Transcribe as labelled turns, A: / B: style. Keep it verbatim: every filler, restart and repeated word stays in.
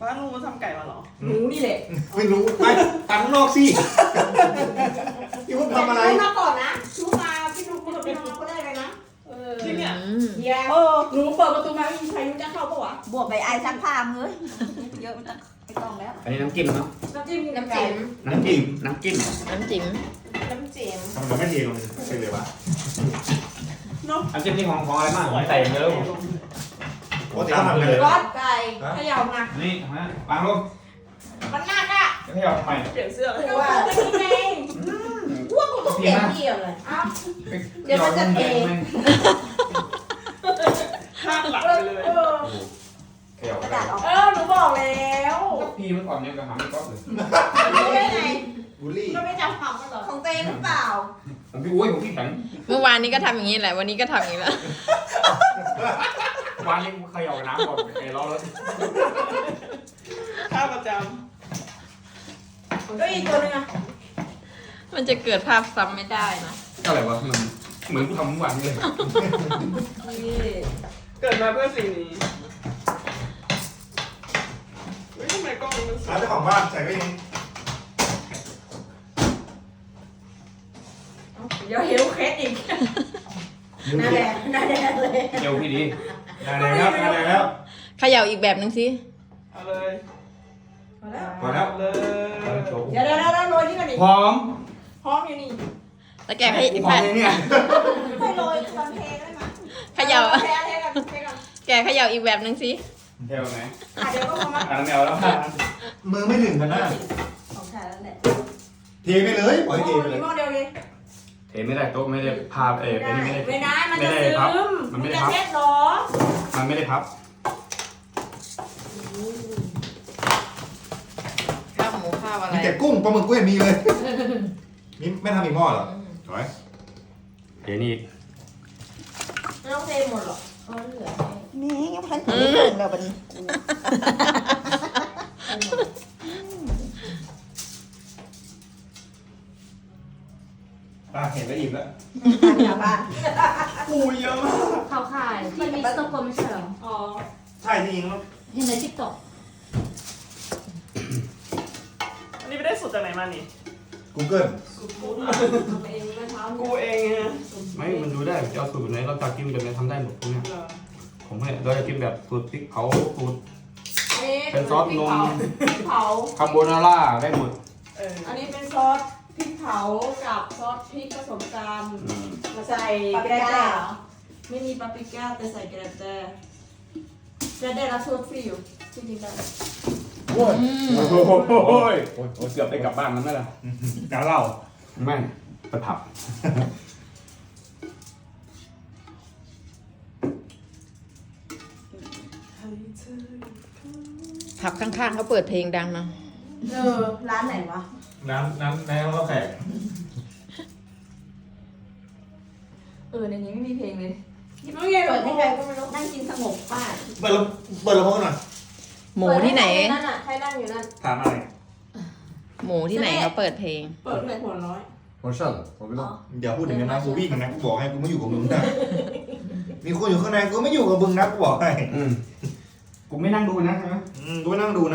A: ป้าลุงมาทำไก่มาเหรอ
B: หนูนี่แหละ
C: ไม่รู้ไปตังนอกสิพี่วุฒิทำอะไร
B: รู้มาก่อนนะรู้มาพี่นุ๊กพี่นุ๊กพี่น้องเขาได้เลยนะเออ
A: จริงเนี่ย
B: เฮียเออหนูเปิดประตูมาไม่มีใครรู้จะเข้าปะวะ
D: บวกไปไอ้ซักผ้ามึงเอ้ยเยอะมันจะไม่ต้องแล้ว
E: อันนี้น้ำจิ้มเนาะ
B: น้ำจิ้มน้ำจิ้ม
E: น้ำจิ้มน้ำจิ้ม
F: น้ำจิ้ม
B: น้ำจิ้ม
C: ทำไมไม่เทลงไปเลยวะ
A: เนาะ
E: น้ำจิ้มนี่ของของอะไรบ้างผมใส่เยอะผม
C: ปกติเขาทำกันเลย
B: รสไก่เขย่าหนัก
E: นี่ฮะวางลง
B: มันหนักอ่ะ
E: จะให้เอาทำไม
A: เปลี่ยนเสื้อเลย
B: ก็ว่าไม่กินเองว่ากูต้องเปลี่ยนเกี่ยวเลยอ้าว เดี๋ยวมันจะเท
A: คาดหลัง
B: เอ
A: ไป
B: อ
A: เลย
B: เออ
E: เขย่าก
D: ระดาษออก
B: เออหนูบอกแล้ว
E: ก็พีเมื่อก่อนเนี่ยกระหำไม่ก๊อฟเลย
B: รู้ได้ไง
C: บูลลี่
B: ก็ไม่จำความกันหรอ
D: ของเต้หรือเปล่า
E: ผมพี่อุ้ยผมพี่แข็ง
F: เมื่อวานนี้ก็ทำอย่างนี้แหละ วันนี้ก็ทำอย่างนี้แหละ
E: วานนี้เขย่าน้ำก่อนไอ้ล้อรถ
A: ค่าประจ
B: ก็อีกตัวนึงอ่ะ
F: มันจะเกิดภาพซ้ำไม่ได้นะ
E: ก็อะไรวะมันเหมือนกูทำเมื่อวานนี้เลย
B: นี่
A: ำเกิดมาเพื่อสิ่งนี้เฮ้ยทำไมกล้องมันสว
C: ร้าย นเจ้าของบ้านใส่ไว้เอง
B: เดี๋ยวเฮลเคสอีกหน้าแดงหน้าแดงเลย
E: เอวพี่ดี
C: ได้แล้วได้แล้ว
F: เขย่าอีกแบบนึงสิ
A: เอาเลย
B: พอแล้ว
C: พอแล้ว
A: เลย
B: เดี๋ยวเดี๋ยวเดี๋ยวโรยนี่ก่อนดิ
E: พร้อม
B: พร้อมอยู่นี่
F: แล้วแกให้
E: พร้อมเนี่ย
B: ให้โรยตอนเทได้ไหม
F: เขย่า
B: เทเทก่อนเทก่อน
F: แกเขย่าอีกแบบนึงสิ
E: เทวไหม
B: อ่ะเดี๋ยวก็มา
E: อ่ะน้ำแมวแล้ว
C: มือไม่ถึงกันนะ
D: ของชายแล้วแหละ
C: เทไปเลยปล่อยให้เทไปเลย
B: หม้อเดียวเลย
E: เทไม่ได้โต๊ะไม่ได้พาเออเป็นไม่ได้
B: ไม่ได้มัน
E: ไม่
B: จะ
E: ได้
B: ซึ
E: พับ
B: ม
E: มันไม่
B: จะ
E: ได้พับ
B: เช็ดหรอ
E: มันไม่ได้พับ
F: ข้าวหมูข้าวอะไร
C: มีแต่กุ้งปลาหมึกกุ้งมีเลยนี่ไม่ทำอีกหม้อเหรอถอย
E: เดี๋ยวนี้
B: ไม่ต้องเทหมดหรอกเออเหลือ
D: แม่ยังพันถึงไม่ถึงแล้วบัดนี้
C: ป้าเห็นแล้วอิ่มแล้ว
D: ทางบ้าน
A: ปูเยอะมาก
G: เข้าค่ายที่มิสเตอร์โกไม่ใช่เหรอ
B: อ๋อ
C: ใช่จริงๆแล้ว
G: เห็นในทิกตอก
A: อันนี้ไปได้สูตรจากไหนมานี่
C: กูเกิล
B: กูทำเองเมื่อเช้า
A: กูเองฮะ
E: ไม่มันดูได้จะเอาสูตรไหนเราจะกินแบบไหนทำได้หมดพวกเนี้ย
A: เหรอ
E: ผมเนี่ยเราจะกินแบบสูตรพริกเผาสูตร
B: อันนี้
E: เป็นซอสนม
B: พริกเผา
E: คาโบนาร่าได้หมด
A: เออ
B: อันนี้เป็นซอสพริกเผากับซอสพริกผสมกัน
E: อืม
B: มาใส่แกระแดเหรอไม่มีปาปริก้าแต่ใส่แกระแดแกระแดแล้วโซดฟรีอยู่จริงๆแล้ว
C: โอ้ย
E: โอ้โหโอ้ยโอ้ยเกือบได้กลับบ้านแล้วไหมล่ะ
C: น้ำเหล้า
E: ไม่ไปผับ
F: ผับข้างๆเขาเปิดเพลงดังเนาะ
B: เออร้านไหนวะ
C: น้ำน้ำน้ำข้าวแขก
B: เออในนี้ไม่มีเพลงเลยไม่ไงเปิดให้ใครก็ไม่รู้
D: นั่งกินสงบป้า
C: เปิดลำเปิดลำโพงหน่อย
F: หมูที่ไหน
B: นั่นน่ะใครนั่งอยู่นั่น
C: ถามอะไร
F: หมูที่ไหนเขาเปิดเพลง
B: เปิดเพลงหัวน้อย
C: โมชั่นผมไม่ต้องเดี๋ยวพูดถึงกันนะกูวิ่งนะกูบอกให้กูไม่อยู่กับมึงนะมีคนอยู่ข้างในกูไม่อยู่กับมึงนะกูบอกให้
E: อืมกูไม่นั่งดูนะใช่ไหม
C: อืมกูไม่นั่งดูนะ